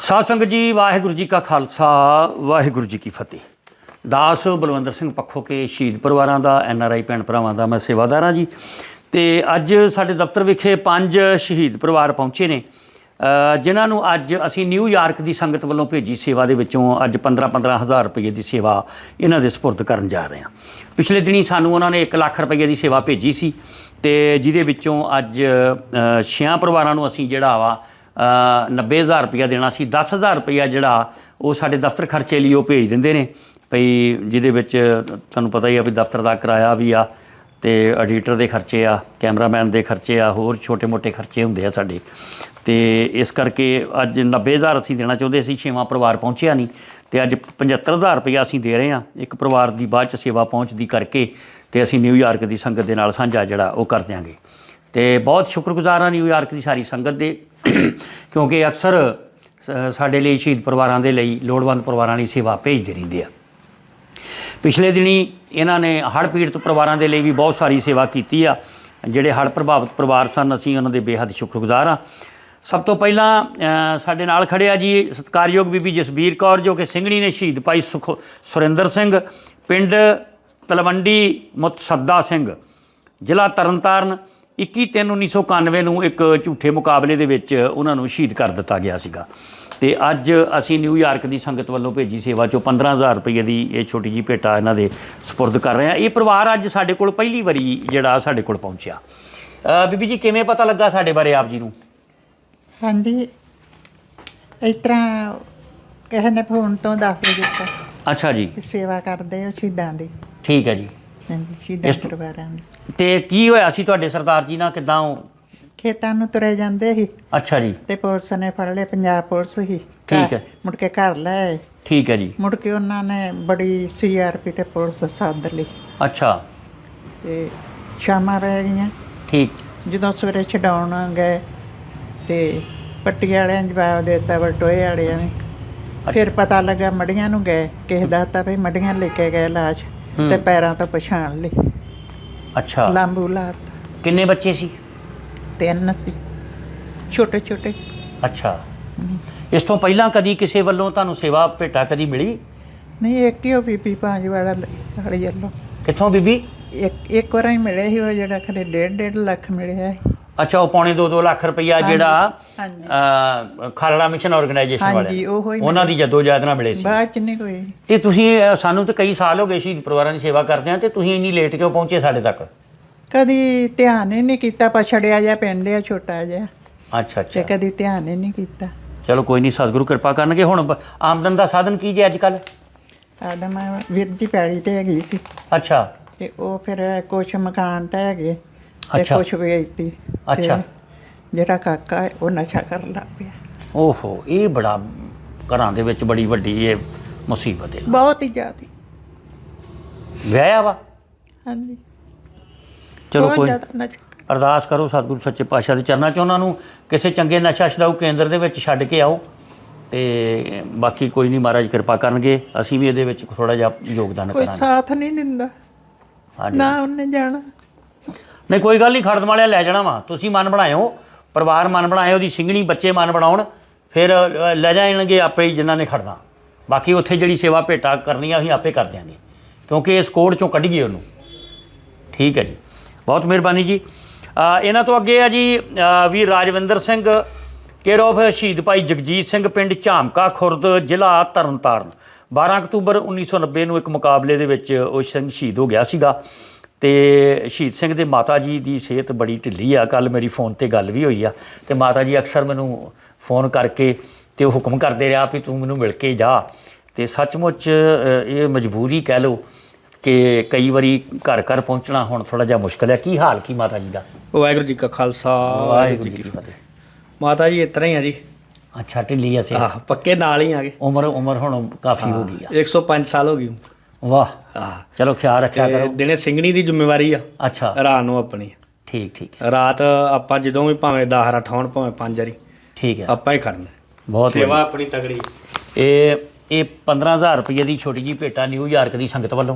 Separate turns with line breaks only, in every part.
ਸਾਧ ਸੰਗਤ ਜੀ, ਵਾਹਿਗੁਰੂ ਜੀ ਕਾ ਖਾਲਸਾ, ਵਾਹਿਗੁਰੂ ਜੀ ਕੀ ਫਤਿਹ। ਦਾਸ ਬਲਵਿੰਦਰ ਸਿੰਘ ਪੱਖੋ ਕੇ ਸ਼ਹੀਦ ਪਰਿਵਾਰਾਂ ਦਾ, NRI ਭੈਣ ਭਰਾਵਾਂ ਦਾ ਮੈਂ ਸੇਵਾਦਾਰ ਹਾਂ ਜੀ। ਅਤੇ ਅੱਜ ਸਾਡੇ ਦਫ਼ਤਰ ਵਿਖੇ 5 ਸ਼ਹੀਦ ਪਰਿਵਾਰ ਪਹੁੰਚੇ ਨੇ, ਜਿਨ੍ਹਾਂ ਨੂੰ ਅੱਜ ਅਸੀਂ ਨਿਊਯਾਰਕ ਦੀ ਸੰਗਤ ਵੱਲੋਂ ਭੇਜੀ ਸੇਵਾ ਦੇ ਵਿੱਚੋਂ ਅੱਜ 15-15 ਹਜ਼ਾਰ ਰੁਪਏ ਦੀ ਸੇਵਾ ਇਹਨਾਂ ਦੇ ਸਪੁਰਦ ਕਰਨ ਜਾ ਰਹੇ ਹਾਂ। ਪਿਛਲੇ ਦਿਨੀ ਸਾਨੂੰ ਉਹਨਾਂ ਨੇ 1 ਲੱਖ ਰੁਪਏ ਦੀ ਸੇਵਾ ਭੇਜੀ ਸੀ, ਅਤੇ ਜਿਹਦੇ ਵਿੱਚੋਂ ਅੱਜ 6 ਪਰਿਵਾਰਾਂ ਨੂੰ ਅਸੀਂ ਜਿਹੜਾ ਵਾ 90,000 ਰੁਪਇਆ ਦੇਣਾ ਸੀ। 10,000 ਰੁਪਇਆ ਜਿਹੜਾ ਉਹ ਸਾਡੇ ਦਫ਼ਤਰ ਖਰਚੇ ਲਈ ਉਹ ਭੇਜ ਦਿੰਦੇ ਨੇ ਭਈ, ਜਿਹਦੇ ਵਿੱਚ ਤੁਹਾਨੂੰ ਪਤਾ ਹੀ ਆ ਵੀ ਦਫ਼ਤਰ ਦਾ ਕਿਰਾਇਆ ਵੀ ਆ, ਅਤੇ ਐਡੀਟਰ ਦੇ ਖਰਚੇ ਆ, ਕੈਮਰਾਮੈਨ ਦੇ ਖਰਚੇ ਆ, ਹੋਰ ਛੋਟੇ ਮੋਟੇ ਖਰਚੇ ਹੁੰਦੇ ਆ ਸਾਡੇ। ਅਤੇ ਇਸ ਕਰਕੇ ਅੱਜ 90,000 ਅਸੀਂ ਦੇਣਾ ਚਾਹੁੰਦੇ ਸੀ, 6ਵਾਂ ਪਰਿਵਾਰ ਪਹੁੰਚਿਆ ਨਹੀਂ, ਅਤੇ ਅੱਜ 75,000 ਰੁਪਇਆ ਅਸੀਂ ਦੇ ਰਹੇ ਹਾਂ। ਇੱਕ ਪਰਿਵਾਰ ਦੀ ਬਾਅਦ 'ਚ ਸੇਵਾ ਪਹੁੰਚਦੀ ਕਰਕੇ ਅਤੇ ਅਸੀਂ ਨਿਊਯਾਰਕ ਦੀ ਸੰਗਤ ਦੇ ਨਾਲ ਸਾਂਝਾ ਜਿਹੜਾ ਉਹ ਕਰ ਦਿਆਂਗੇ। ਅਤੇ ਬਹੁਤ ਸ਼ੁਕਰਗੁਜ਼ਾਰ ਹਾਂ ਨਿਊਯਾਰਕ ਦੀ ਸਾਰੀ ਸੰਗਤ ਦੇ, ਕਿਉਂਕਿ ਅਕਸਰ ਸਾਡੇ ਲਈ ਸ਼ਹੀਦ ਪਰਿਵਾਰਾਂ ਦੇ ਲਈ, ਲੋੜਵੰਦ ਪਰਿਵਾਰਾਂ ਲਈ ਸੇਵਾ ਭੇਜਦੇ ਰਹਿੰਦੇ ਆ। ਪਿਛਲੇ ਦਿਨੀ ਇਹਨਾਂ ਨੇ ਹੜ੍ਹ ਪੀੜਤ ਪਰਿਵਾਰਾਂ ਦੇ ਲਈ ਵੀ ਬਹੁਤ ਸਾਰੀ ਸੇਵਾ ਕੀਤੀ ਆ। ਜਿਹੜੇ ਹੜ੍ਹ ਪ੍ਰਭਾਵਿਤ ਪਰਿਵਾਰ ਸਨ, ਅਸੀਂ ਉਹਨਾਂ ਦੇ ਬੇਹੱਦ ਸ਼ੁਕਰਗੁਜ਼ਾਰ ਹਾਂ। ਸਭ ਤੋਂ ਪਹਿਲਾਂ ਸਾਡੇ ਨਾਲ ਖੜ੍ਹਿਆ ਜੀ ਸਤਿਕਾਰਯੋਗ ਬੀਬੀ ਜਸਬੀਰ ਕੌਰ, ਜੋ ਕਿ ਸਿੰਘਣੀ ਨੇ ਸ਼ਹੀਦ ਭਾਈ ਸੁਰਿੰਦਰ ਸਿੰਘ, ਪਿੰਡ ਤਲਵੰਡੀ ਮੁਤਸੱਦਾ ਸਿੰਘ, ਜ਼ਿਲ੍ਹਾ ਤਰਨਤਾਰਨ। 21/3/1991 ਨੂੰ ਇੱਕ ਝੂਠੇ ਮੁਕਾਬਲੇ ਦੇ ਵਿੱਚ ਉਹਨਾਂ ਨੂੰ ਸ਼ਹੀਦ ਕਰ ਦਿੱਤਾ ਗਿਆ ਸੀਗਾ। ਅਤੇ ਅੱਜ ਅਸੀਂ ਨਿਊਯਾਰਕ ਦੀ ਸੰਗਤ ਵੱਲੋਂ ਭੇਜੀ ਸੇਵਾ 'ਚੋਂ 15,000 ਰੁਪਏ ਦੀ ਇਹ ਛੋਟੀ ਜਿਹੀ ਭੇਟਾ ਇਹਨਾਂ ਦੇ ਸਪੁਰਦ ਕਰ ਰਹੇ ਹਾਂ। ਇਹ ਪਰਿਵਾਰ ਅੱਜ ਸਾਡੇ ਕੋਲ ਪਹਿਲੀ ਵਾਰੀ ਜਿਹੜਾ ਸਾਡੇ ਕੋਲ ਪਹੁੰਚਿਆ। ਬੀਬੀ ਜੀ, ਕਿਵੇਂ ਪਤਾ ਲੱਗਾ ਸਾਡੇ ਬਾਰੇ ਆਪ ਜੀ ਨੂੰ?
ਹਾਂਜੀ, ਇਸ ਤਰ੍ਹਾਂ ਕਿਸੇ ਨੇ ਫੋਨ ਤੋਂ ਦੱਸ ਦਿੱਤਾ।
ਅੱਛਾ ਜੀ।
ਸੇਵਾ ਕਰਦੇ ਹੋ ਸ਼ਹੀਦਾਂ ਦੀ।
ਠੀਕ ਹੈ ਜੀ।
ਹਾਂਜੀ, ਸ਼ਹੀਦਾਂ ਪਰਿਵਾਰਾਂ ਦੀ।
ਅਤੇ ਕੀ ਹੋਇਆ ਸੀ ਤੁਹਾਡੇ ਸਰਦਾਰ ਜੀ ਨਾਲ? ਕਿੱਦਾਂ ਉਹ
ਖੇਤਾਂ ਨੂੰ ਤੁਰੇ ਜਾਂਦੇ ਸੀ?
ਅੱਛਾ ਜੀ।
ਤੇ ਪੁਲਿਸ ਨੇ ਫੜ ਲਏ, ਪੰਜਾਬ ਪੁਲਿਸ ਸੀ।
ਠੀਕ ਹੈ।
ਮੁੜ ਕੇ ਘਰ ਲੈ ਆਏ।
ਠੀਕ ਹੈ ਜੀ।
ਮੁੜ ਕੇ ਉਹਨਾਂ ਨੇ ਬੜੀ CRP ਤੇ ਪੁਲਿਸ ਸੱਦ ਲਈ।
ਅੱਛਾ।
ਤੇ ਸ਼ਾਮਾਂ ਪੈ ਗਈਆਂ।
ਠੀਕ।
ਜਦੋਂ ਸਵੇਰੇ ਛਡਾਉਣ ਗਏ ਤੇ ਪੱਟੀ ਵਾਲਿਆਂ ਜਵਾਬ ਦੇ ਦਿੱਤਾ, ਬਲਟੋਏ ਵਾਲਿਆਂ ਨੇ। ਫਿਰ ਪਤਾ ਲੱਗਾ ਮੜੀਆਂ ਨੂੰ ਗਏ, ਕਿਸੇ ਦੱਸਤਾ ਵੀ ਮੜੀਆਂ ਲੈ ਕੇ ਗਏ ਲਾਸ਼, ਤੇ ਪੈਰਾਂ ਤੋਂ ਪਛਾਣ ਲਈ।
ਅੱਛਾ।
ਲਾਂਬੂ ਲਾਤ।
ਕਿੰਨੇ ਬੱਚੇ ਸੀ?
3 ਸੀ, ਛੋਟੇ ਛੋਟੇ।
ਅੱਛਾ। ਇਸ ਤੋਂ ਪਹਿਲਾਂ ਕਦੀ ਕਿਸੇ ਵੱਲੋਂ ਤੁਹਾਨੂੰ ਸੇਵਾ ਭੇਟਾ ਕਦੀ ਮਿਲੀ?
ਨਹੀਂ, ਇੱਕ ਹੀ ਉਹ ਬੀਬੀ ਪੰਜ ਵਾਲਾ ਵਾਲੀ ਵੱਲੋਂ।
ਕਿੱਥੋਂ ਬੀਬੀ?
ਇੱਕ ਵਾਰ ਹੀ ਮਿਲੇ ਸੀ, ਉਹ ਜਿਹੜਾ ਖਰੇ 1.5 ਲੱਖ ਮਿਲਿਆ ਸੀ।
ਅੱਛਾ, ਉਹ 2.25 ਲੱਖ ਰੁਪਈਆ ਜਿਹੜਾ ਖਾਲੜਾ ਮਿਸ਼ਨ ਆਰਗੇਨਾਈਜੇਸ਼ਨ ਵਾਲੇ, ਉਹਨਾਂ ਦੀ ਜਦੋਜਹਿਦ ਨਾਲ ਮਿਲੇ ਸੀ।
ਬਾਅਦ 'ਚ ਨਹੀਂ ਕੋਈ।
ਅਤੇ ਤੁਸੀਂ ਸਾਨੂੰ ਤਾਂ ਕਈ ਸਾਲ ਹੋ ਗਏ ਸ਼ਹੀਦ ਪਰਿਵਾਰਾਂ ਦੀ ਸੇਵਾ ਕਰਦੇ ਹਾਂ, ਅਤੇ ਤੁਸੀਂ ਇੰਨੀ ਲੇਟ ਕਿਉਂ ਪਹੁੰਚੇ ਸਾਡੇ ਤੱਕ?
ਕਦੀ ਧਿਆਨ ਹੀ ਨਹੀਂ ਕੀਤਾ, ਪਛੜਿਆ ਜਿਹਾ ਪਿੰਡ ਆ ਛੋਟਾ ਜਿਹਾ।
ਅੱਛਾ ਅੱਛਾ।
ਤੇ ਕਦੀ ਧਿਆਨ ਹੀ ਨਹੀਂ ਕੀਤਾ।
ਚਲੋ ਕੋਈ ਨਹੀਂ, ਸਤਿਗੁਰੂ ਕਿਰਪਾ ਕਰਨਗੇ। ਹੁਣ ਆਮਦਨ ਦਾ ਸਾਧਨ ਕੀ ਜੇ ਅੱਜ ਕੱਲ੍ਹ?
ਆਦਮ ਵੀਰ ਜੀ ਪੈਲੀ ਤੇ ਹੈਗੀ ਸੀ।
ਅੱਛਾ।
ਤੇ ਉਹ ਫਿਰ ਕੁਛ ਮਕਾਨ ਢਹਿ ਗਏ ਤੇ
ਅੱਛਾ।
ਕੁਛ ਵੇਚਤੀ।
ਅੱਛਾ।
ਜਿਹੜਾ ਕਾਕਾ ਹੈ ਉਹ ਨਸ਼ਾ ਕਰਨ ਲੱਗ ਪਿਆ।
ਓਹੋ, ਇਹ ਬੜਾ ਘਰਾਂ ਦੇ ਵਿੱਚ ਬੜੀ ਵੱਡੀ ਇਹ ਮੁਸੀਬਤ ਹੈ।
ਬਹੁਤ ਹੀ ਜ਼ਿਆਦਾ।
ਵਿਆਹਿਆ ਵਾ?
ਹਾਂਜੀ।
ਚਲੋ
ਬਹੁਤ
ਕੋਈ
ਜ਼ਿਆਦਾ ਨਸ਼ਾ।
ਅਰਦਾਸ ਕਰੋ ਸਤਿਗੁਰੂ ਸੱਚੇ ਪਾਤਸ਼ਾਹ ਦੇ ਚਰਨਾਂ 'ਚ ਉਹਨਾਂ ਨੂੰ ਕਿਸੇ ਚੰਗੇ ਨਸ਼ਾ ਛਡਾਊ ਕੇਂਦਰ ਦੇ ਵਿੱਚ ਛੱਡ ਕੇ ਆਓ, ਅਤੇ ਬਾਕੀ ਕੋਈ ਨਹੀਂ, ਮਹਾਰਾਜ ਕਿਰਪਾ ਕਰਨਗੇ। ਅਸੀਂ ਵੀ ਇਹਦੇ ਵਿੱਚ ਥੋੜ੍ਹਾ ਜਿਹਾ ਯੋਗਦਾਨ
ਕੋਈ
ਕਰਾਂਗੇ।
ਸਾਥ ਨਹੀਂ ਦਿੰਦਾ ਨਾ, ਉਹਨੇ ਜਾਣਾ।
ਨਹੀਂ ਕੋਈ ਗੱਲ ਨਹੀਂ, ਖੜਦ ਵਾਲਿਆ ਲੈ ਜਾਣਾ ਵਾ। ਤੁਸੀਂ ਮਨ ਬਣਾਇਓ, ਪਰਿਵਾਰ ਮਨ ਬਣਾਇਓ, ਉਹਦੀ ਸਿੰਘਣੀ ਬੱਚੇ ਮਨ ਬਣਾਉਣ, ਫਿਰ ਲੈ ਜਾਣਗੇ ਆਪੇ ਹੀ ਜਿਨ੍ਹਾਂ ਨੇ ਖੜਨਾ। ਬਾਕੀ ਉੱਥੇ ਜਿਹੜੀ ਸੇਵਾ ਭੇਟਾ ਕਰਨੀ ਆ ਅਸੀਂ ਆਪੇ ਕਰ ਦਿਆਂਗੇ, ਕਿਉਂਕਿ ਇਸ ਕੋਡ 'ਚੋਂ ਕੱਢੀਏ ਉਹਨੂੰ। ਠੀਕ ਹੈ ਜੀ, ਬਹੁਤ ਮਿਹਰਬਾਨੀ ਜੀ। ਇਹਨਾਂ ਤੋਂ ਅੱਗੇ ਆ ਜੀ ਵੀਰ ਰਾਜਵਿੰਦਰ ਸਿੰਘ, ਕੇਅਰ ਆਫ ਸ਼ਹੀਦ ਭਾਈ ਜਗਜੀਤ ਸਿੰਘ, ਪਿੰਡ ਝਾਮਕਾ ਖੁਰਦ, ਜ਼ਿਲ੍ਹਾ ਤਰਨਤਾਰਨ। 12 ਅਕਤੂਬਰ 1990 ਨੂੰ ਇੱਕ ਮੁਕਾਬਲੇ ਦੇ ਵਿੱਚ ਉਹ ਸਿੰਘ ਸ਼ਹੀਦ ਹੋ ਗਿਆ ਸੀਗਾ। ਅਤੇ ਸ਼ਹੀਦ ਸਿੰਘ ਦੇ ਮਾਤਾ ਜੀ ਦੀ ਸਿਹਤ ਬੜੀ ਢਿੱਲੀ ਆ। ਕੱਲ੍ਹ ਮੇਰੀ ਫੋਨ 'ਤੇ ਗੱਲ ਵੀ ਹੋਈ ਆ, ਅਤੇ ਮਾਤਾ ਜੀ ਅਕਸਰ ਮੈਨੂੰ ਫੋਨ ਕਰਕੇ ਅਤੇ ਉਹ ਹੁਕਮ ਕਰਦੇ ਰਿਹਾ ਵੀ ਤੂੰ ਮੈਨੂੰ ਮਿਲ ਕੇ ਜਾ। ਅਤੇ ਸੱਚਮੁੱਚ ਇਹ ਮਜਬੂਰੀ ਕਹਿ ਲਓ ਕਿ ਕਈ ਵਾਰੀ ਘਰ ਘਰ ਪਹੁੰਚਣਾ ਹੁਣ ਥੋੜ੍ਹਾ ਜਿਹਾ ਮੁਸ਼ਕਿਲ ਹੈ। ਕੀ ਹਾਲ ਕੀ ਮਾਤਾ ਜੀ ਦਾ?
ਵਾਹਿਗੁਰੂ ਜੀ ਕਾ ਖਾਲਸਾ,
ਵਾਹਿਗੁਰੂ ਜੀ ਕੀ ਫਤਿਹ।
ਮਾਤਾ ਜੀ ਇਸ ਤਰ੍ਹਾਂ ਹੀ ਆ ਜੀ।
ਅੱਛਾ, ਢਿੱਲੀ ਆ ਸਿਹਤ?
ਪੱਕੇ ਨਾਲ ਹੀ ਆ ਗਏ।
ਉਮਰ ਹੁਣ ਕਾਫੀ ਹੋ ਗਈ ਆ।
105 ਸਾਲ ਹੋ ਗਈ।
ਵਾਹ। ਚਲੋ ਖਿਆਲ ਰੱਖਿਆ ਕਰੋ।
ਦਿਨੇ ਸਿੰਘਣੀ ਦੀ ਜ਼ਿੰਮੇਵਾਰੀ ਆ।
ਅੱਛਾ।
ਰਾਤ ਨੂੰ ਆਪਣੀ।
ਠੀਕ ਠੀਕ।
ਰਾਤ ਆਪਾਂ ਜਦੋਂ ਵੀ ਭਾਵੇਂ 10 ਰਾਠ ਹੋਣ, ਭਾਵੇਂ 5 ਵਾਰੀ,
ਠੀਕ ਹੈ,
ਆਪਾਂ ਹੀ ਕਰਨਾ।
ਬਹੁਤ
ਸੇਵਾ ਆਪਣੀ ਤਗੜੀ।
ਇਹ 15,000 ਰੁਪਏ ਦੀ ਛੋਟੀ ਜਿਹੀ ਭੇਟਾ ਨਿਊਯਾਰਕ ਦੀ ਸੰਗਤ ਵੱਲੋਂ,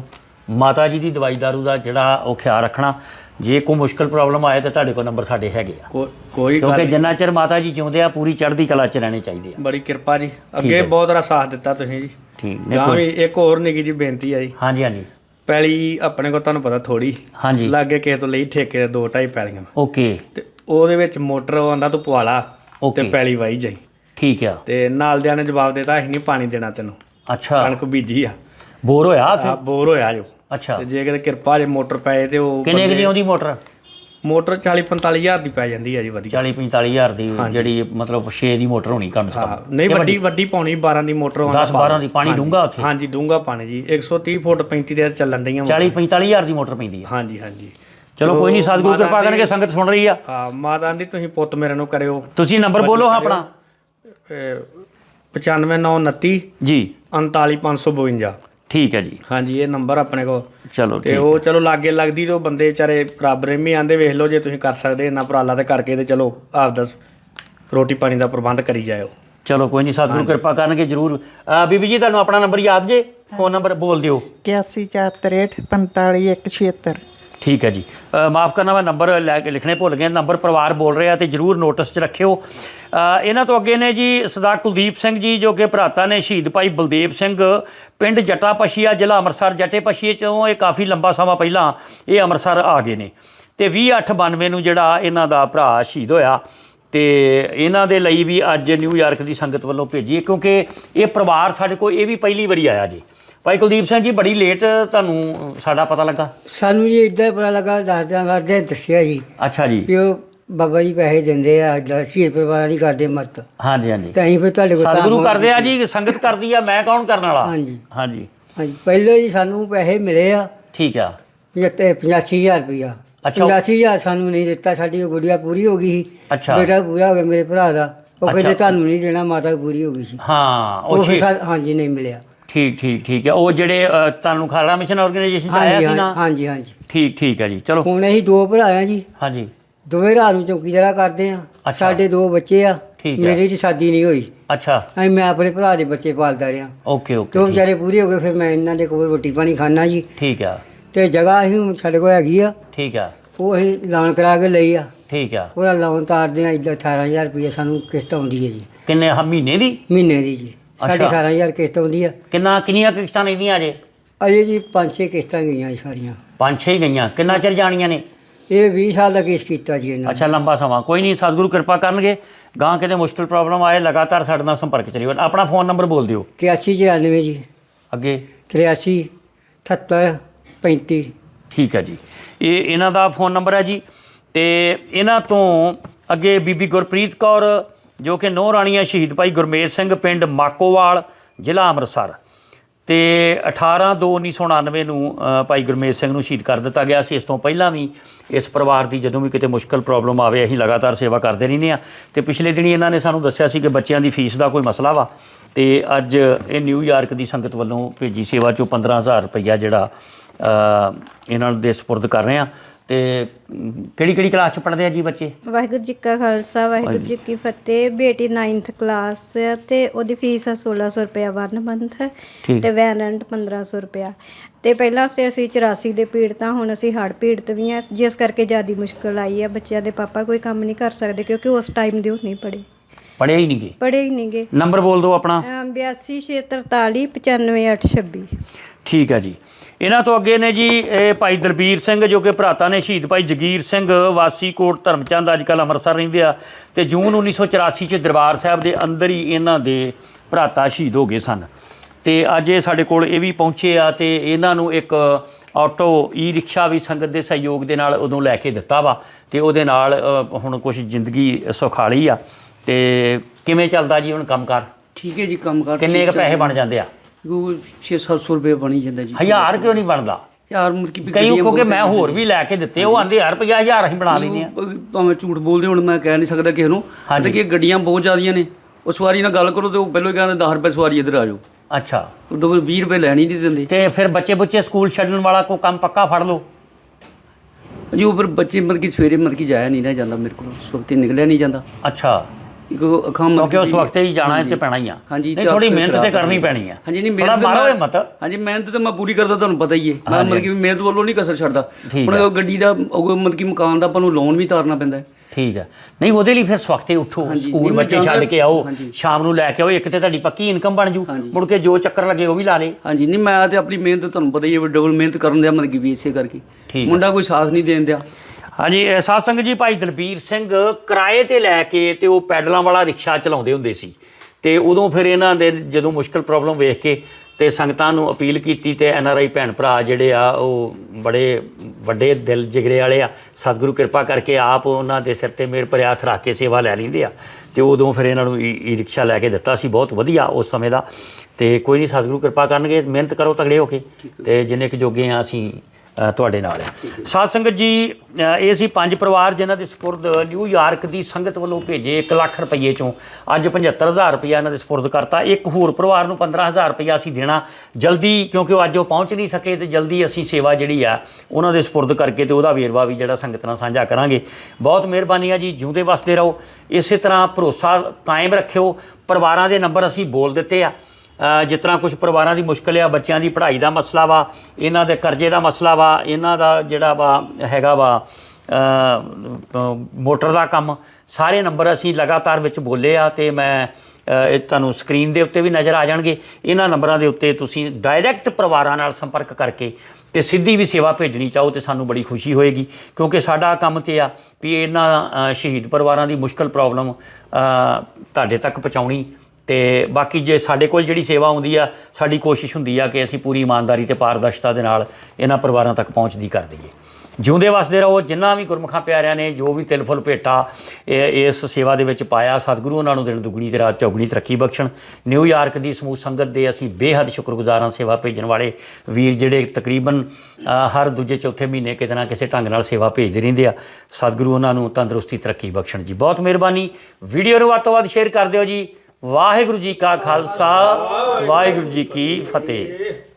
ਮਾਤਾ ਜੀ ਦੀ ਦਵਾਈ ਦਾਰੂ ਦਾ ਜਿਹੜਾ ਉਹ ਖਿਆਲ ਰੱਖਣਾ। ਜੇ ਕੋਈ ਮੁਸ਼ਕਲ ਪ੍ਰੋਬਲਮ ਆਏ ਤਾਂ ਤੁਹਾਡੇ ਕੋਲ ਨੰਬਰ ਸਾਡੇ ਹੈਗੇ ਆ,
ਕੋਈ
ਕਿਉਂਕਿ
ਗੱਲ
ਜਿੰਨਾ ਚਿਰ ਮਾਤਾ ਜੀ ਜਿਉਂਦੇ ਆ ਪੂਰੀ ਚੜ੍ਹਦੀ ਕਲਾ 'ਚ ਰਹਿਣੇ ਚਾਹੀਦੇ ਆ।
ਬੜੀ ਕਿਰਪਾ ਜੀ, ਅੱਗੇ ਬਹੁਤ ਰਾ ਸਾਥ ਦਿੱਤਾ ਤੁਸੀਂ ਜੀ।
ਠੀਕ
ਗਾਂ ਵੀ ਇੱਕ ਹੋਰ ਨਿੱਕੀ ਜੀ ਬੇਨਤੀ ਆ ਜੀ।
ਹਾਂਜੀ ਹਾਂਜੀ
ਪੈਲੀ ਆਪਣੇ ਕੋਲ ਤੁਹਾਨੂੰ ਪਤਾ ਥੋੜੀ
ਹਾਂਜੀ
ਲਾਗੇ ਕਿਸੇ ਤੋਂ ਲਈ ਠੇਕੇ 2-2.5 ਪੈਲੀਆਂ
ਓਕੇ
ਤੇ ਉਹਦੇ ਵਿੱਚ ਮੋਟਰ ਆਂਦਾ ਤੂੰ ਪਵਾ ਲਾ ਤੇ
ਓਕੇ
ਪੈਲੀ ਵਾਈ ਜਾਈ।
ਠੀਕ ਆ।
ਤੇ ਨਾਲਦਿਆਂ ਨੇ ਜਵਾਬ ਦਿੱਤਾ ਅਸੀਂ ਨਹੀਂ ਪਾਣੀ ਦੇਣਾ ਤੈਨੂੰ,
ਅੱਛਾ
ਕਣਕ ਬੀਜੀ ਆ।
ਬੋਰ ਹੋਇਆ
ਆ
ਫਿਰ?
ਬੋਰ ਹੋਇਆ ਜੋ।
ਅੱਛਾ
ਤੇ ਜੇ ਕਿਤੇ ਕਿਰਪਾ ਜੇ ਮੋਟਰ ਪਏ ਤੇ ਉਹ
ਕਿੰਨੇ ਕੁ ਦੀ ਆਉਂਦੀ ਮੋਟਰ?
ਮੋਟਰ 40-45 ਹਜ਼ਾਰ ਦੀ ਪੈ ਜਾਂਦੀ ਆ ਜੀ ਵਧੀਆ।
40-45 ਹਜ਼ਾਰ ਦੀ ਜਿਹੜੀ ਮਤਲਬ 6 ਦੀ ਮੋਟਰ ਹੋਣੀ ਕਮ ਸੇ
ਹਾਂ
ਕਮ।
ਨਹੀਂ ਵੱਡੀ ਪਾਉਣੀ 12 ਦੀ ਮੋਟਰ
10-12 ਦੀ ਪਾਣੀ ਡੂੰਘਾ ਉੱਥੇ?
ਹਾਂਜੀ ਡੂੰਘਾ ਪਾਣੀ ਜੀ 130 ਫੁੱਟ 35 ਦੇ ਚੱਲਣ ਡਈਆਂ।
40-45 ਹਜ਼ਾਰ ਦੀ ਮੋਟਰ ਪੈਂਦੀ ਆ।
ਹਾਂਜੀ ਹਾਂਜੀ
ਚਲੋ ਕੋਈ ਨਹੀਂ, ਸਤਿਗੁਰੂ ਕਿਰਪਾ ਕਰਨਗੇ, ਸੰਗਤ ਸੁਣ ਰਹੀ ਆ।
ਹਾਂ ਮਾਤਾ ਦੀ ਤੁਸੀਂ ਪੁੱਤ ਮੇਰੇ ਨੂੰ ਕਰਿਓ।
ਤੁਸੀਂ ਨੰਬਰ ਬੋਲੋ ਹਾਂ ਆਪਣਾ।
95929
ਜੀ
39552।
ਠੀਕ ਹੈ ਜੀ।
ਹਾਂਜੀ ਇਹ ਨੰਬਰ ਆਪਣੇ ਕੋਲ।
ਚਲੋ
ਤੇ ਉਹ ਚਲੋ ਲਾਗੇ ਲੱਗਦੀ ਤੇ ਉਹ ਬੰਦੇ ਵਿਚਾਰੇ ਰੱਬ ਰੇਮੀ ਆਂਦੇ ਵੇਖ ਲਓ ਜੇ ਤੁਸੀਂ ਕਰ ਸਕਦੇ ਇੰਨਾ ਉਪਰਾਲਾ ਤੇ ਕਰਕੇ ਤੇ ਚਲੋ ਆਪਦਾ ਰੋਟੀ ਪਾਣੀ ਦਾ ਪ੍ਰਬੰਧ ਕਰੀ ਜਾਇਓ।
ਚਲੋ ਕੋਈ ਨਹੀਂ, ਸਤਿਗੁਰੂ ਕਿਰਪਾ ਕਰਨਗੇ ਜ਼ਰੂਰ। ਬੀਬੀ ਜੀ ਤੁਹਾਨੂੰ ਆਪਣਾ ਨੰਬਰ ਯਾਦ ਜੇ? ਫੋਨ ਨੰਬਰ ਬੋਲ ਦਿਓ।
8143455176।
ਠੀਕ ਹੈ ਜੀ। ਮਾਫ ਕਰਨਾ, ਮੈਂ ਨੰਬਰ ਲੈ ਕੇ ਲਿਖਣੇ ਭੁੱਲ ਗਿਆ। ਨੰਬਰ ਪਰਿਵਾਰ ਬੋਲ ਰਿਹਾ ਤੇ ਜ਼ਰੂਰ ਨੋਟਿਸ 'ਚ ਰੱਖਿਓ। ਇਹਨਾਂ ਤੋਂ ਅੱਗੇ ਨੇ ਜੀ ਸਰਦਾਰ ਕੁਲਦੀਪ ਸਿੰਘ ਜੀ, ਜੋ ਕਿ ਭਰਾਤਾ ਨੇ ਸ਼ਹੀਦ ਭਾਈ ਬਲਦੇਵ ਸਿੰਘ, ਪਿੰਡ ਜੱਟਾ ਪਸ਼ੀਆ, ਜ਼ਿਲ੍ਹਾ ਅੰਮ੍ਰਿਤਸਰ। ਜੱਟੇ ਪਸ਼ੀਏ 'ਚੋਂ ਇਹ ਕਾਫੀ ਲੰਬਾ ਸਮਾਂ ਪਹਿਲਾਂ ਇਹ ਅੰਮ੍ਰਿਤਸਰ ਆ ਗਏ ਨੇ ਤੇ 20/8/92 ਨੂੰ ਜਿਹੜਾ ਇਹਨਾਂ ਦਾ ਭਰਾ ਸ਼ਹੀਦ ਹੋਇਆ। ਤੇ ਇਹਨਾਂ ਦੇ ਲਈ ਵੀ ਅੱਜ ਨਿਊਯਾਰਕ ਦੀ ਸੰਗਤ ਵੱਲੋਂ ਭੇਜੀ, ਕਿਉਂਕਿ ਇਹ ਪਰਿਵਾਰ ਸਾਡੇ ਕੋਲ ਇਹ ਵੀ ਪਹਿਲੀ ਵਾਰੀ ਆਇਆ ਜੀ। ਭਾਈ ਕੁਲਦੀਪ ਸਿੰਘ ਜੀ, ਬੜੀ ਲੇਟ ਤੁਹਾਨੂੰ ਸਾਡਾ ਪਤਾ ਲੱਗਾ?
ਸਾਨੂੰ ਜੀ ਇੱਦਾਂ ਪਤਾ ਲੱਗਾ, ਦੱਸਦਿਆਂ ਕਰਦੇ ਦੱਸਿਆ ਜੀ
ਅੱਛਾ ਜੀ।
ਵੀ ਉਹ ਬਾਬਾ ਜੀ ਪੈਸੇ ਦਿੰਦੇ ਆ, ਸ਼ਹੀਦ ਪਰਿਵਾਰਾਂ ਦੀ ਕਰਦੇ ਮਦਦ।
ਹਾਂਜੀ ਹਾਂਜੀ,
ਤਾਂ ਅਸੀਂ ਫਿਰ ਤੁਹਾਡੇ ਕੋਲ
ਸਤਿਗੁਰੂ ਕਰਦੇ ਆ ਜੀ, ਸੰਗਤ ਕਰਦੀ ਆ, ਮੈਂ ਕੌਣ ਕਰਨ ਵਾਲਾ?
ਹਾਂਜੀ
ਹਾਂਜੀ
ਹਾਂਜੀ। ਪਹਿਲਾਂ ਜੀ ਸਾਨੂੰ ਪੈਸੇ ਮਿਲੇ ਆ
ਠੀਕ ਆ।
85,000 ਰੁਪਇਆ।
ਅੱਛਾ।
85,000 ਸਾਨੂੰ ਨਹੀਂ ਦਿੱਤਾ, ਸਾਡੀ ਉਹ ਗੁੜੀਆ ਪੂਰੀ ਹੋ ਗਈ ਸੀ।
ਅੱਛਾ।
ਬੇਟਾ ਪੂਰਾ ਹੋ ਗਿਆ ਮੇਰੇ ਭਰਾ ਦਾ, ਉਹ ਕਹਿੰਦੇ
ਅੱਛਾ।
ਤੁਹਾਨੂੰ ਨਹੀਂ ਦੇਣਾ, ਮਾਤਾ ਪੂਰੀ ਹੋ ਗਈ ਸੀ।
ਹਾਂ
ਉਹ ਫਿਰ ਹਾਂਜੀ ਨਹੀਂ ਮਿਲਿਆ।
ਠੀਕ ਠੀਕ ਠੀਕ ਹੈ। ਉਹ ਜਿਹੜੇ ਤੁਹਾਨੂੰ ਖਾਲੜਾ ਮਿਸ਼ਨ ਆਰਗੇਨਾਈਜੇਸ਼ਨ 'ਚ ਆਇਆ ਸੀ ਨਾ?
ਹਾਂਜੀ ਹਾਂਜੀ।
ਠੀਕ ਹੈ ਜੀ। ਚਲੋ
ਹੁਣ ਅਸੀਂ 2 ਭਰਾ ਆ ਜੀ,
ਹਾਂਜੀ।
ਦੋਵੇਂ ਰਾਤ ਨੂੰ ਚੌਕੀਦਾਰਾ ਕਰਦੇ ਆ।
ਅੱਛਾ।
ਸਾਡੇ 2 ਬੱਚੇ ਆ।
ਠੀਕ ਹੈ।
ਮੇਰੀ ਜੀ ਸ਼ਾਦੀ ਨਹੀਂ ਹੋਈ।
ਅੱਛਾ
ਮੈਂ ਆਪਣੇ ਭਰਾ ਦੇ ਬੱਚੇ ਪਾਲਦਾ ਰਿਹਾ।
Okay okay.
ਤੇ ਉਹ ਵਿਚਾਰੇ ਪੂਰੇ ਹੋ ਗਏ, ਫਿਰ ਮੈਂ ਇਹਨਾਂ ਦੇ ਕੋਲ ਰੋਟੀ ਪਾਣੀ ਖਾਣਾ ਜੀ।
ਠੀਕ ਆ
ਤੇ ਜਗ੍ਹਾ ਅਸੀਂ ਹੁਣ ਸਾਡੇ ਕੋਲ ਹੈਗੀ ਆ,
ਠੀਕ ਆ
ਉਹ ਅਸੀਂ ਲਾਉਣ ਕਰਾ ਕੇ ਲਈ ਆ।
ਠੀਕ ਆ।
ਉਹਦਾ ਲਾਉਣ ਤਾਰਦੇ ਆ, ਇੱਦਾਂ 18,000 ਰੁਪਏ ਸਾਨੂੰ ਕਿਸ਼ਤ ਆਉਂਦੀ ਹੈ ਜੀ
ਕਿੰਨੇ ਮਹੀਨੇ ਦੀ?
ਮਹੀਨੇ ਦੀ ਜੀ। ਸਾਡੀ 18,000 ਕਿਸ਼ਤ ਆਉਂਦੀ ਆ।
ਕਿੰਨੀਆਂ ਕਿਸ਼ਤਾਂ ਲੈਂਦੀਆਂ ਅਜੇ?
ਅਜੇ ਜੀ 5-6 ਕਿਸ਼ਤਾਂ ਗਈਆਂ ਜੀ ਸਾਰੀਆਂ।
5-6 ਹੀ ਗਈਆਂ। ਕਿੰਨਾ ਚਿਰ ਜਾਣੀਆਂ ਨੇ?
ਇਹ 20 ਸਾਲ ਦਾ ਕੇਸ ਕੀਤਾ ਜੀ ਇਹਨਾਂ ਨੇ।
ਅੱਛਾ, ਲੰਬਾ ਸਮਾਂ। ਕੋਈ ਨਹੀਂ, ਸਤਿਗੁਰੂ ਕਿਰਪਾ ਕਰਨਗੇ। ਗਾਂ ਕਿਤੇ ਮੁਸ਼ਕਿਲ ਪ੍ਰੋਬਲਮ ਆਏ ਲਗਾਤਾਰ ਸਾਡੇ ਨਾਲ ਸੰਪਰਕ 'ਚ ਰਹੋ। ਆਪਣਾ ਫੋਨ ਨੰਬਰ ਬੋਲ ਦਿਓ।
8194 ਜੀ
ਅੱਗੇ
83 78 35।
ਠੀਕ ਹੈ ਜੀ। ਇਹ ਇਹਨਾਂ ਦਾ ਫੋਨ ਨੰਬਰ ਹੈ ਜੀ। ਤੇ ਇਹਨਾਂ ਤੋਂ ਅੱਗੇ ਬੀਬੀ ਗੁਰਪ੍ਰੀਤ ਕੌਰ, ਜੋ ਕਿ ਨੌ ਰਾਣੀਆਂ ਸ਼ਹੀਦ ਭਾਈ ਗੁਰਮੇਜ ਸਿੰਘ, ਪਿੰਡ ਮਾਕੋਵਾਲ, ਜ਼ਿਲ੍ਹਾ ਅੰਮ੍ਰਿਤਸਰ। ਤੇ 18/2/1999 ਨੂੰ ਭਾਈ ਗੁਰਮੇਜ ਸਿੰਘ ਨੂੰ ਸ਼ਹੀਦ ਕਰ ਦਿੱਤਾ ਗਿਆ ਸੀ। ਇਸ ਤੋਂ ਪਹਿਲਾਂ ਵੀ ਇਸ ਪਰਿਵਾਰ ਦੀ ਜਦੋਂ ਵੀ ਕਿਤੇ ਮੁਸ਼ਕਲ ਪ੍ਰੋਬਲਮ ਆਵੇ ਅਸੀਂ ਲਗਾਤਾਰ ਸੇਵਾ ਕਰਦੇ ਰਹਿੰਦੇ ਹਾਂ। ਤੇ ਪਿਛਲੇ ਦਿਨੀ ਇਹਨਾਂ ਨੇ ਸਾਨੂੰ ਦੱਸਿਆ ਸੀ ਕਿ ਬੱਚਿਆਂ ਦੀ ਫੀਸ ਦਾ ਕੋਈ ਮਸਲਾ ਵਾ, ਤੇ ਅੱਜ ਇਹ ਨਿਊਯਾਰਕ ਦੀ ਸੰਗਤ ਵੱਲੋਂ ਭੇਜੀ ਸੇਵਾ 'ਚੋਂ 15,000 ਰੁਪਈਆ ਜਿਹੜਾ ਇਹਨਾਂ ਦੇ ਸਪੁਰਦ ਕਰ ਰਹੇ ਹਾਂ। ਤੇ ਕਿਹੜੀ ਕਲਾਸ 'ਚ ਪੜ੍ਹਦੇ ਆ ਜੀ ਬੱਚੇ?
ਵਾਹਿਗੁਰੂ ਜੀ ਕਾ ਖਾਲਸਾ, ਵਾਹਿਗੁਰੂ ਜੀ ਕੀ ਫਤਿਹ। ਬੇਟੀ 9th ਕਲਾਸ ਤੇ ਉਹਦੀ ਫੀਸ ਆ 1,600 ਰੁਪਇਆ 1 ਮੰਥ, ਤੇ ਵੈਨ ਰੈਂਟ 1,500 ਰੁਪਇਆ। ਤੇ ਪਹਿਲਾਂ ਅਸੀਂ 84 ਦੇ ਪੀੜਤ ਹਾਂ, ਹੁਣ ਅਸੀਂ ਹੜ੍ਹ ਪੀੜਤ ਵੀ ਹਾਂ, ਜਿਸ ਕਰਕੇ ਜ਼ਿਆਦਾ ਮੁਸ਼ਕਿਲ ਆਈ ਹੈ। ਬੱਚਿਆਂ ਦੇ ਪਾਪਾ ਕੋਈ ਕੰਮ ਨਹੀਂ ਕਰ ਸਕਦੇ, ਕਿਉਂਕਿ ਉਸ ਟਾਈਮ ਦੇ ਉਹ ਨਹੀਂ
ਪੜ੍ਹੇ ਹੀ ਨਹੀਂ ਗਏ। ਨੰਬਰ ਬੋਲ ਦਿਓ ਆਪਣਾ।
82 643 95 826।
ਠੀਕ ਹੈ ਜੀ। ਇਹਨਾਂ ਤੋਂ ਅੱਗੇ ਨੇ ਜੀ ਇਹ ਭਾਈ ਦਲਬੀਰ ਸਿੰਘ, ਜੋ ਕਿ ਭਰਾਤਾ ਨੇ ਸ਼ਹੀਦ ਭਾਈ ਜਗੀਰ ਸਿੰਘ, ਵਾਸੀ ਕੋਟ ਧਰਮਚੰਦ, ਅੱਜ ਕੱਲ੍ਹ ਅੰਮ੍ਰਿਤਸਰ ਰਹਿੰਦੇ ਆ। ਤੇ ਜੂਨ 1984 'ਚ ਦਰਬਾਰ ਸਾਹਿਬ ਦੇ ਅੰਦਰ ਹੀ ਇਹਨਾਂ ਦੇ ਭਰਾਤਾ ਸ਼ਹੀਦ ਹੋ ਗਏ ਸਨ। ਤੇ ਅੱਜ ਇਹ ਸਾਡੇ ਕੋਲ ਇਹ ਵੀ ਪਹੁੰਚੇ ਆ। ਤੇ ਇਹਨਾਂ ਨੂੰ ਇੱਕ ਆਟੋ ਈ ਰਿਕਸ਼ਾ ਵੀ ਸੰਗਤ ਦੇ ਸਹਿਯੋਗ ਦੇ ਨਾਲ ਉਦੋਂ ਲੈ ਕੇ ਦਿੱਤਾ ਵਾ, ਤੇ ਉਹਦੇ ਨਾਲ ਹੁਣ ਕੁਛ ਜ਼ਿੰਦਗੀ ਸੁਖਾਲੀ ਆ। ਤੇ ਕਿਵੇਂ ਚੱਲਦਾ ਜੀ ਹੁਣ ਕੰਮਕਾਰ?
ਠੀਕ ਹੈ ਜੀ, ਕੰਮਕਾਰ
ਕਿੰਨੇ ਕੁ ਪੈਸੇ ਬਣ ਜਾਂਦੇ ਆ?
600-700 ਰੁਪਏ ਬਣੀ ਜਾਂਦਾ ਜੀ।
1000 ਕਿਉਂ ਨਹੀਂ ਬਣਦਾ?
ਯਾਰ ਮੁਰਕੀ
ਕਈ ਕਿਉਂਕਿ ਮੈਂ ਹੋਰ ਵੀ ਲੈ ਕੇ ਦਿੱਤੇ, ਉਹ ਆਂਦੇ 1000 ਅਸੀਂ ਬਣਾ ਲੈਂਦੇ ਆ।
ਭਾਵੇਂ ਝੂਠ ਬੋਲਦੇ, ਹੁਣ ਮੈਂ ਕਹਿ ਨਹੀਂ ਸਕਦਾ ਕਿਸੇ ਨੂੰ। ਪਤਾ ਕਿ ਗੱਡੀਆਂ ਬਹੁਤ ਜ਼ਿਆਦੀਆਂ ਨੇ, ਉਹ ਸਵਾਰੀ ਨਾਲ ਗੱਲ ਕਰੋ ਤੇ ਉਹ ਪਹਿਲਾਂ ਹੀ ਕਹਿੰਦੇ 10 ਰੁਪਏ ਸਵਾਰੀ ਇੱਧਰ ਆ ਜਾਓ।
ਅੱਛਾ।
ਉਦੋਂ 20 ਰੁਪਏ ਲੈਣੀ ਨਹੀਂ ਦਿੰਦੇ
ਤੇ ਫਿਰ ਬੱਚੇ ਸਕੂਲ ਛੱਡਣ ਵਾਲਾ ਕੋਈ ਕੰਮ ਪੱਕਾ ਫੜ ਲਓ
ਜੀ। ਉਹ ਫਿਰ ਬੱਚੇ ਮਤਲਬ ਕਿ ਸਵੇਰੇ ਮਤਲਬ ਕਿ ਜਾਇਆ ਨਹੀਂ ਨਾ ਜਾਂਦਾ, ਮੇਰੇ ਕੋਲ ਉਸ ਵਕਤ ਨਿਕਲਿਆ ਨਹੀਂ ਜਾਂਦਾ।
ਅੱਛਾ।
ਇੱਕ ਅੱਖਾਂ
ਕਿਉਂਕਿ ਉਸ ਵਕਤ ਹੀ ਜਾਣਾ ਤੇ ਪੈਣਾ ਹੀ ਆ
ਹਾਂਜੀ
ਨਹੀਂ ਥੋੜੀ ਮਿਹਨਤ ਤੇ ਕਰਨੀ ਪੈਣੀ ਆ
ਹਾਂਜੀ ਨਹੀਂ
ਥੋੜਾ ਮਾਰੋ ਹਿੰਮਤ
ਹਾਂਜੀ ਮਿਹਨਤ ਤਾਂ ਮੈਂ ਪੂਰੀ ਕਰਦਾ ਤੁਹਾਨੂੰ ਪਤਾ ਹੀ ਹੈ ਮੈਂ ਮਤਲਬ ਕਿ ਮਿਹਨਤ ਵੱਲੋਂ ਨਹੀਂ ਕਸਰ ਛੱਡਦਾ ਹੁਣ ਗੱਡੀ ਦਾ ਮਤਲਬ ਕਿ ਮਕਾਨ ਦਾ ਆਪਾਂ ਨੂੰ ਲੋਨ ਵੀ ਤਾਰਨਾ ਪੈਂਦਾ ਹੈ
ਠੀਕ ਹੈ ਨਹੀਂ ਉਹਦੇ ਲਈ ਫਿਰ ਸਵਖਤੇ ਉੱਠੋ ਸਕੂਲ ਬੱਚੇ ਛੱਡ ਕੇ ਆਓ ਸ਼ਾਮ ਨੂੰ ਲੈ ਕੇ ਆਓ ਇੱਕ ਤੇ ਤੁਹਾਡੀ ਪੱਕੀ ਇਨਕਮ ਬਣ ਜੂ ਮੁੜ ਕੇ ਜੋ ਚੱਕਰ ਲੱਗੇ ਉਹ ਵੀ ਲਾ ਲੇ
ਹਾਂਜੀ ਨਹੀਂ ਮੈਂ ਤੇ ਆਪਣੀ ਮਿਹਨਤ ਤੁਹਾਨੂੰ ਪਤਾ ਹੀ ਹੈ ਡਬਲ ਮਿਹਨਤ ਕਰਨ ਦਿਆ ਮਤਲਬ ਕਿ ਵੀ ਇਸੇ ਕਰਕੇ ਮੁੰਡਾ ਕੋਈ ਸਾਥ ਨਹੀਂ ਦੇਣ ਦਿਆ
ਹਾਂਜੀ ਸਾਧ ਸੰਗਤ ਜੀ ਭਾਈ ਦਲਬੀਰ ਸਿੰਘ ਕਿਰਾਏ ਤੇ ਲੈ ਕੇ ਤੇ ਉਹ ਪੈਡਲਾਂ ਵਾਲਾ ਰਿਕਸ਼ਾ ਚਲਾਉਂਦੇ ਹੁੰਦੇ ਸੀ ਤੇ ਉਦੋਂ ਫਿਰ ਇਹਨਾਂ ਦੇ ਜਦੋਂ ਮੁਸ਼ਕਲ ਪ੍ਰੋਬਲਮ ਵੇਖ ਕੇ ਤੇ ਸੰਗਤਾਂ ਨੂੰ ਅਪੀਲ ਕੀਤੀ ਤੇ NRI ਭੈਣ ਭਰਾ ਜਿਹੜੇ ਆ ਉਹ ਬੜੇ ਵੱਡੇ ਦਿਲ ਜਿਗਰੇ ਵਾਲੇ ਆ ਸਤਿਗੁਰੂ ਕਿਰਪਾ ਕਰਕੇ ਆਪ ਉਹਨਾਂ ਦੇ ਸਿਰ ਤੇ ਮੇਰ ਭਰਿਆ ਹੱਥ ਰੱਖ ਕੇ ਸੇਵਾ ਲੈ ਲੈਂਦੇ ਆ ਤੇ ਉਦੋਂ ਫਿਰ ਇਹਨਾਂ ਨੂੰ ਈ ਰਿਕਸ਼ਾ ਲੈ ਕੇ ਦਿੱਤਾ ਸੀ ਬਹੁਤ ਵਧੀਆ ਉਸ ਸਮੇਂ ਦਾ ਤੇ ਕੋਈ ਨਹੀਂ ਸਤਿਗੁਰੂ ਕਿਰਪਾ ਕਰਨਗੇ ਮਿਹਨਤ ਕਰੋ ਤਗੜੇ ਹੋ ਕੇ ਤੇ ਜਿੰਨੇ ਕੁ ਜੋਗੇ ਆ ਅਸੀਂ ਤੁਹਾਡੇ ਨਾਲ ਹੈ ਸਾਧ ਸੰਗਤ ਜੀ ਇਹ ਸੀ 5 ਪਰਿਵਾਰ ਜਿਨ੍ਹਾਂ ਦੇ ਸਪੁਰਦ ਨਿਊਯਾਰਕ ਦੀ ਸੰਗਤ ਵੱਲੋਂ ਭੇਜੇ 1 ਲੱਖ ਰੁਪਏ ਚੋਂ ਅੱਜ 75,000 ਰੁਪਇਆ ਇਹਨਾਂ ਦੇ ਸਪੁਰਦ ਕਰਤਾ ਇੱਕ ਹੋਰ ਪਰਿਵਾਰ ਨੂੰ 15,000 ਰੁਪਇਆ ਅਸੀਂ ਦੇਣਾ ਜਲਦੀ ਕਿਉਂਕਿ ਉਹ ਅੱਜ ਉਹ ਪਹੁੰਚ ਨਹੀਂ ਸਕੇ ਤੇ ਜਲਦੀ ਅਸੀਂ ਸੇਵਾ ਜਿਹੜੀ ਆ ਉਹਨਾਂ ਦੇ ਸਪੁਰਦ ਕਰਕੇ ਤੇ ਉਹਦਾ ਵੇਰਵਾ ਵੀ ਜਿਹੜਾ ਸੰਗਤ ਨਾਲ ਸਾਂਝਾ ਕਰਾਂਗੇ ਬਹੁਤ ਮਿਹਰਬਾਨੀ ਆ ਜੀ ਜਿਉਂਦੇ ਵਸਦੇ ਰਹੋ ਇਸੇ ਤਰ੍ਹਾਂ ਭਰੋਸਾ ਕਾਇਮ ਰੱਖਿਓ ਪਰਿਵਾਰਾਂ ਦੇ ਨੰਬਰ ਅਸੀਂ ਬੋਲ ਦਿੱਤੇ ਆ ਜਿਸ ਤਰ੍ਹਾਂ ਕੁਝ ਪਰਿਵਾਰਾਂ ਦੀ ਮੁਸ਼ਕਿਲ ਆ ਬੱਚਿਆਂ ਦੀ ਪੜ੍ਹਾਈ ਦਾ ਮਸਲਾ ਵਾ ਇਹਨਾਂ ਦੇ ਕਰਜ਼ੇ ਦਾ ਮਸਲਾ ਵਾ ਇਹਨਾਂ ਦਾ ਜਿਹੜਾ ਵਾ ਹੈਗਾ ਵਾ ਮੋਟਰ ਦਾ ਕੰਮ ਸਾਰੇ ਨੰਬਰ ਅਸੀਂ ਲਗਾਤਾਰ ਵਿੱਚ ਬੋਲੇ ਆ ਤੇ ਮੈਂ ਇਹ ਤੁਹਾਨੂੰ ਸਕਰੀਨ ਦੇ ਉੱਤੇ ਵੀ ਨਜ਼ਰ ਆ ਜਾਣਗੇ ਇਹਨਾਂ ਨੰਬਰਾਂ ਦੇ ਉੱਤੇ ਤੁਸੀਂ ਡਾਇਰੈਕਟ ਪਰਿਵਾਰਾਂ ਨਾਲ ਸੰਪਰਕ ਕਰਕੇ ਤੇ ਸਿੱਧੀ ਵੀ ਸੇਵਾ ਭੇਜਣੀ ਚਾਹੋ ਤੇ ਸਾਨੂੰ ਬੜੀ ਖੁਸ਼ੀ ਹੋਏਗੀ ਕਿਉਂਕਿ ਸਾਡਾ ਕੰਮ ਤੇ ਆ ਵੀ ਇਹਨਾਂ ਸ਼ਹੀਦ ਪਰਿਵਾਰਾਂ ਦੀ ਮੁਸ਼ਕਲ ਪ੍ਰੋਬਲਮ ਤੁਹਾਡੇ ਤੱਕ ਪਹੁੰਚਾਉਣੀ ਤੇ ਬਾਕੀ ਜੇ ਸਾਡੇ ਕੋਲ ਜਿਹੜੀ ਸੇਵਾ ਆਉਂਦੀ ਆ ਸਾਡੀ ਕੋਸ਼ਿਸ਼ ਹੁੰਦੀ ਆ ਕਿ ਅਸੀਂ ਪੂਰੀ ਇਮਾਨਦਾਰੀ ਤੇ ਪਾਰਦਰਸ਼ਤਾ ਦੇ ਨਾਲ ਇਹਨਾਂ ਪਰਿਵਾਰਾਂ ਤੱਕ ਪਹੁੰਚਦੀ ਕਰ ਦਈਏ ਜਿਉਂਦੇ ਵਸਦੇ ਰਹੋ ਜਿੰਨਾ ਵੀ ਗੁਰਮੁਖਾਂ ਪਿਆਰਿਆਂ ਨੇ ਜੋ ਵੀ ਤਿਲ ਫੁੱਲ ਭੇਟਾ ਇਸ ਸੇਵਾ ਦੇ ਵਿੱਚ ਪਾਇਆ ਸਤਿਗੁਰੂ ਉਹਨਾਂ ਨੂੰ ਦਿਨ ਦੁਗਣੀ ਤੇ ਰਾਤ ਚੌਗਣੀ ਤਰੱਕੀ ਬਖਸ਼ਣ ਨਿਊਯਾਰਕ ਦੀ ਸਮੂਹ ਸੰਗਤ ਦੇ ਅਸੀਂ ਬੇਹੱਦ ਸ਼ੁਕਰਗੁਜ਼ਾਰ ਹਾਂ ਸੇਵਾ ਭੇਜਣ ਵਾਲੇ ਵੀਰ ਜਿਹੜੇ ਤਕਰੀਬਨ ਹਰ ਦੂਜੇ ਚੌਥੇ ਮਹੀਨੇ ਕਿਤੇ ਨਾ ਕਿਸੇ ਢੰਗ ਨਾਲ ਸੇਵਾ ਭੇਜਦੇ ਰਹਿੰਦੇ ਆ ਸਤਿਗੁਰੂ ਉਹਨਾਂ ਨੂੰ ਤੰਦਰੁਸਤੀ ਤਰੱਕੀ ਬਖਸ਼ਣ ਜੀ ਬਹੁਤ ਮਿਹਰਬਾਨੀ ਵੀਡੀਓ ਨੂੰ ਵੱਧ ਤੋਂ ਵੱਧ ਸ਼ੇਅਰ ਕਰ ਦਿਓ ਜੀ ਵਾਹਿਗੁਰੂ ਜੀ ਕਾ ਖਾਲਸਾ ਵਾਹਿਗੁਰੂ ਜੀ ਕੀ ਫਤਿਹ।